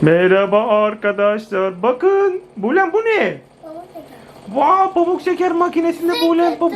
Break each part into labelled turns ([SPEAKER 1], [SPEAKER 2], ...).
[SPEAKER 1] Merhaba arkadaşlar. Bakın. Bulen bu ne?
[SPEAKER 2] Pamuk şeker.
[SPEAKER 1] Vay, pamuk şeker makinesinde Bulen pamuk.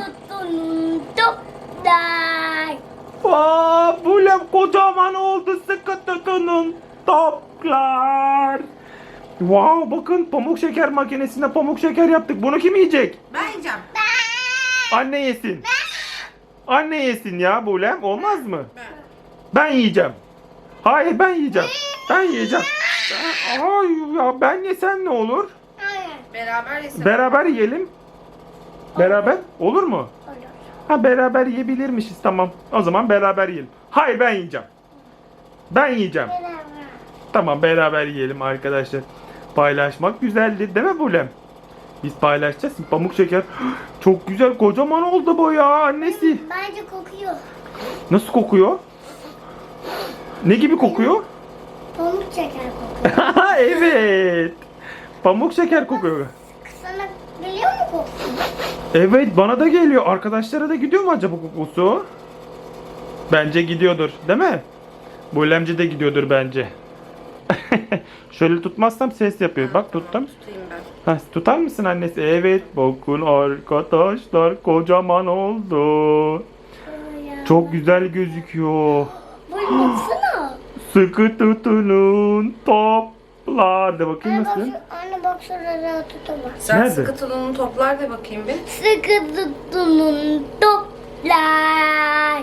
[SPEAKER 2] Toplar.
[SPEAKER 1] Vay, Bulen kocaman oldu. Sıkı tutunun toplar. Wow, bakın pamuk şeker makinesinde pamuk şeker yaptık. Bunu kim yiyecek?
[SPEAKER 3] Ben yiyeceğim.
[SPEAKER 1] Anne yesin. Anne yesin ya Bulen. Olmaz mı?
[SPEAKER 3] Ben.
[SPEAKER 1] Ben yiyeceğim. Hayır, ben yiyeceğim. Ben yiyeceğim. Ay ya, ben yesem ne olur?
[SPEAKER 2] Hayır.
[SPEAKER 3] Beraber yesin.
[SPEAKER 1] Beraber yiyelim. Beraber olur mu?
[SPEAKER 2] Olur.
[SPEAKER 1] Ha, beraber yiyebilirmişiz, tamam. O zaman beraber yiyelim. Hayır, ben yiyeceğim. Ben yiyeceğim.
[SPEAKER 2] Beraber.
[SPEAKER 1] Tamam, beraber yiyelim arkadaşlar. Paylaşmak güzeldir değil mi Bulem? Biz paylaşacağız. Pamuk şeker. Çok güzel, kocaman oldu bu ya annesi.
[SPEAKER 2] Bence kokuyor.
[SPEAKER 1] Nasıl kokuyor? Ne gibi kokuyor?
[SPEAKER 2] Pamuk şeker kokuyor.
[SPEAKER 1] Evet. Pamuk şeker kokuyor.
[SPEAKER 2] Sana geliyor mu kokusu?
[SPEAKER 1] Evet, bana da geliyor. Arkadaşlara da gidiyor mu acaba kokusu? Bence gidiyordur, değil mi? Bulemci de gidiyordur bence. Şöyle tutmazsam ses yapıyor. Bak, tuttum.
[SPEAKER 3] Tutayım ben.
[SPEAKER 1] Ha, tutar mısın annesi? Evet, bakın arkadaşlar, kocaman oldu. Çok güzel gözüküyor.
[SPEAKER 2] Böyle baksana.
[SPEAKER 1] Sıkı tutunun toplar. De bakayım
[SPEAKER 2] Anne bak,
[SPEAKER 1] nasıl?
[SPEAKER 2] anne bak şurada tutamaz.
[SPEAKER 3] Sen
[SPEAKER 1] Nerede?
[SPEAKER 3] sıkı tulumunu toplar da bakayım bir.
[SPEAKER 2] Sıkı tutunun toplar.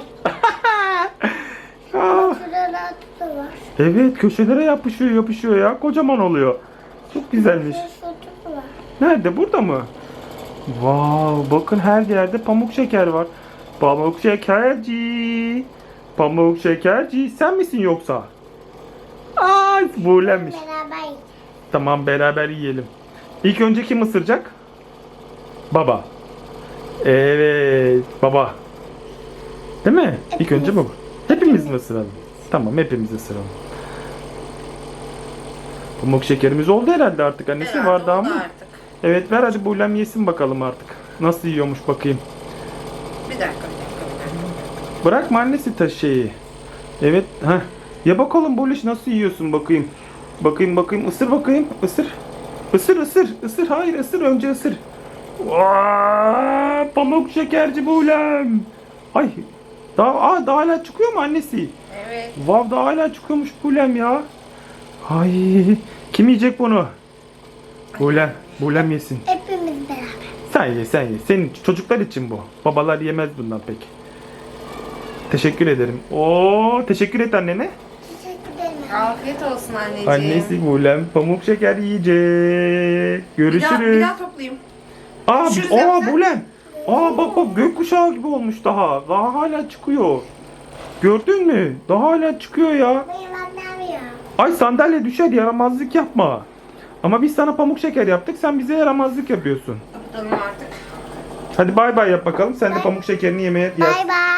[SPEAKER 1] Ah,
[SPEAKER 2] Şurada tutamaz.
[SPEAKER 1] evet, köşelere yapışıyor ya. Kocaman oluyor. Çok güzelmiş.
[SPEAKER 2] Şurada tutamaz.
[SPEAKER 1] Nerede? Burada mı? Wow, bakın her yerde pamuk şeker var. Pamuk şekerci. Pamuk şekerci. Sen misin yoksa? Ay, Buğulenmiş.
[SPEAKER 2] Beraber yiyeceğiz.
[SPEAKER 1] Tamam, beraber yiyelim. İlk önce kim ısıracak? Baba. Evet, baba. Değil mi? İlk önce baba. Hepimiz mi ısıralım? Tamam, hepimiz ısıralım. Pamuk şekerimiz oldu herhalde artık. Annesi
[SPEAKER 3] Herhalde
[SPEAKER 1] var daha
[SPEAKER 3] oldu
[SPEAKER 1] mı?
[SPEAKER 3] artık.
[SPEAKER 1] Evet, ver hadi Buğulem yesin bakalım artık. Nasıl yiyormuş bakayım.
[SPEAKER 3] Bir dakika.
[SPEAKER 1] Bırakma annesi şeyi. Evet, ha. Ya bakalım Buluş, nasıl yiyorsun bakayım. Bakayım, ısır bakayım, ısır. Isır. Hayır, ısır, önce ısır. Vaa, pamuk şekerci Buğulem. Ay, daha hala çıkıyor mu annesi?
[SPEAKER 3] Evet.
[SPEAKER 1] Vav, daha hala çıkıyormuş Buğulem ya. Ay, kim yiyecek bunu? Buğulem yesin.
[SPEAKER 2] Hepimiz beraber.
[SPEAKER 1] Sen ye. Senin çocuklar için bu. Babalar yemez bundan pek. Teşekkür ederim. Oo, teşekkür et annene.
[SPEAKER 2] Teşekkür ederim.
[SPEAKER 3] Afiyet olsun anneciğim.
[SPEAKER 1] Annesi Buğulem pamuk şeker yiyecek.
[SPEAKER 3] Bir
[SPEAKER 1] Görüşürüz.
[SPEAKER 3] daha toplayayım.
[SPEAKER 1] Aa,
[SPEAKER 3] Görüşürüz Emre.
[SPEAKER 1] Buğulem. Bak, gökkuşağı gibi olmuş daha. Daha hala çıkıyor. Gördün mü? Daha hala çıkıyor ya.
[SPEAKER 2] Benim annem ya.
[SPEAKER 1] Ay, sandalye düşer, yaramazlık yapma. Ama biz sana pamuk şeker yaptık, sen bize yaramazlık yapıyorsun.
[SPEAKER 3] Kapatalım artık.
[SPEAKER 1] Hadi bay bay yap bakalım. Sen de pamuk şekerini yemeye
[SPEAKER 2] Bay bay.